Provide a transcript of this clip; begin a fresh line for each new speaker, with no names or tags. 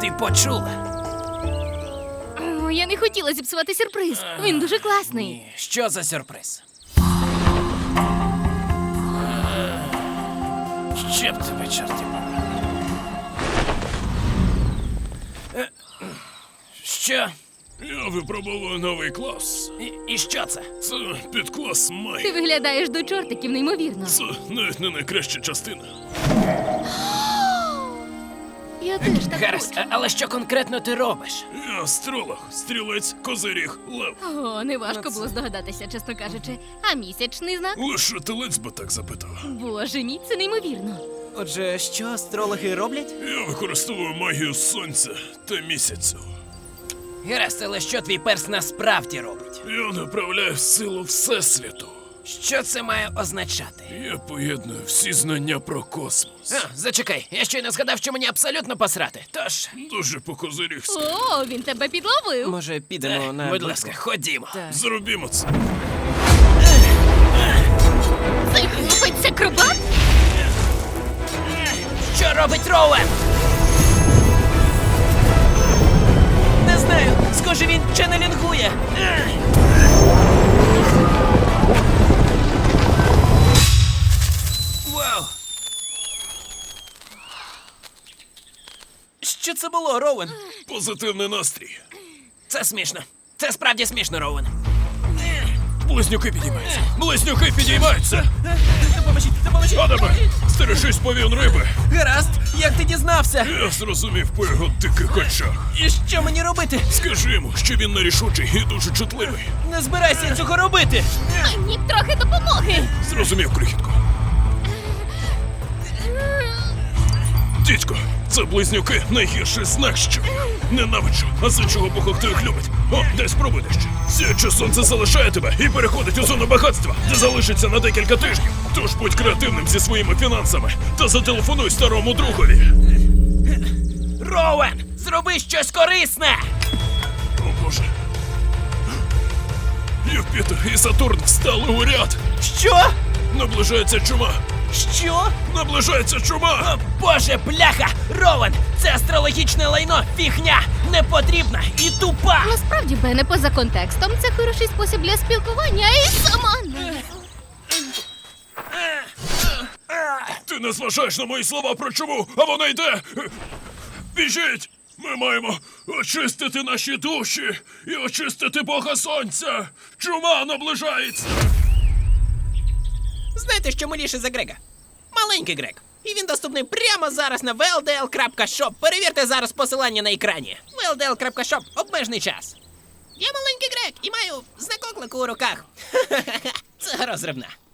Ти почула?
О, я не хотіла зіпсувати сюрприз. Він дуже класний.
Ні. Що за сюрприз? Ще б тебе, чорті побрали. Що?
Я випробовую новий клас.
І що це?
Це підклас
Ти
Май.
виглядаєш до чортиків неймовірно.
Це навіть не найкраща частина.
Я теж так
Гаразд,
хочу.
але що конкретно ти робиш?
Я астролог, стрілець, козиріг, лев.
О, неважко було здогадатися, чесно кажучи. А місячний знак?
Лише телець би так запитав.
Боже мій, це неймовірно.
Отже, що астрологи роблять?
Я використовую магію сонця та місяцю.
Гаразд, але що твій перс насправді робить?
Я направляю силу Всесвіту.
Що це має означати?
Я поєдную всі знання про космос.
Зачекай, я щойно згадав, що мені абсолютно посрати. Тож,
Дуже по-козирігськи.
О, він тебе підловив.
Може, підемо на...
будь ласка, ходімо.
Зробімо це.
Цей хлопець акробат?
Що робить Роуен?
Не знаю, схоже, він ченнелінгує.
Вау!
Що це було, Роуен?
Позитивний настрій.
Це смішно. Це справді смішно, Роуен.
Близнюки підіймаються. Близнюки підіймаються.
Допоможіть!
Адаме, стережись повін риби.
Гаразд, як ти дізнався?
Я зрозумів по його диких очах.
І що мені робити?
Скажи йому, що він нерішучий і дуже чутливий.
Не збирайся цього робити!
Мені б трохи допомоги.
Зрозумів, крихітко. Дідько, це близнюки найгірший знак, що ненавиджу, а з іншого боку, хто їх любить. О, дай спробуй дещо. Сіяче сонце залишає тебе і переходить у зону багатства, де залишиться на декілька тижнів. Тож будь креативним зі своїми фінансами та зателефонуй старому другові.
Роуен, зроби щось корисне!
О, Боже. Юпітер і Сатурн встали у ряд.
Що?
Наближається чума.
Що?
Наближається чума.
О, Боже, бляха! Роуен, це астрологічне лайно, фігня, непотрібна і тупа!
Насправді, Бене, поза контекстом, це хороший спосіб для спілкування і сама.
Ти не зважаєш на мої слова про чуму, а вона йде. Біжіть! Ми маємо очистити наші душі і очистити Бога Сонця. Чума наближається.
Знаєте, що миліше за Грега? Маленький Грег. І він доступний прямо зараз на vldl.shop. Перевірте зараз посилання на екрані. vldl.shop. Обмежений час. Я маленький Грег і маю знак оклику у руках. Це розривна.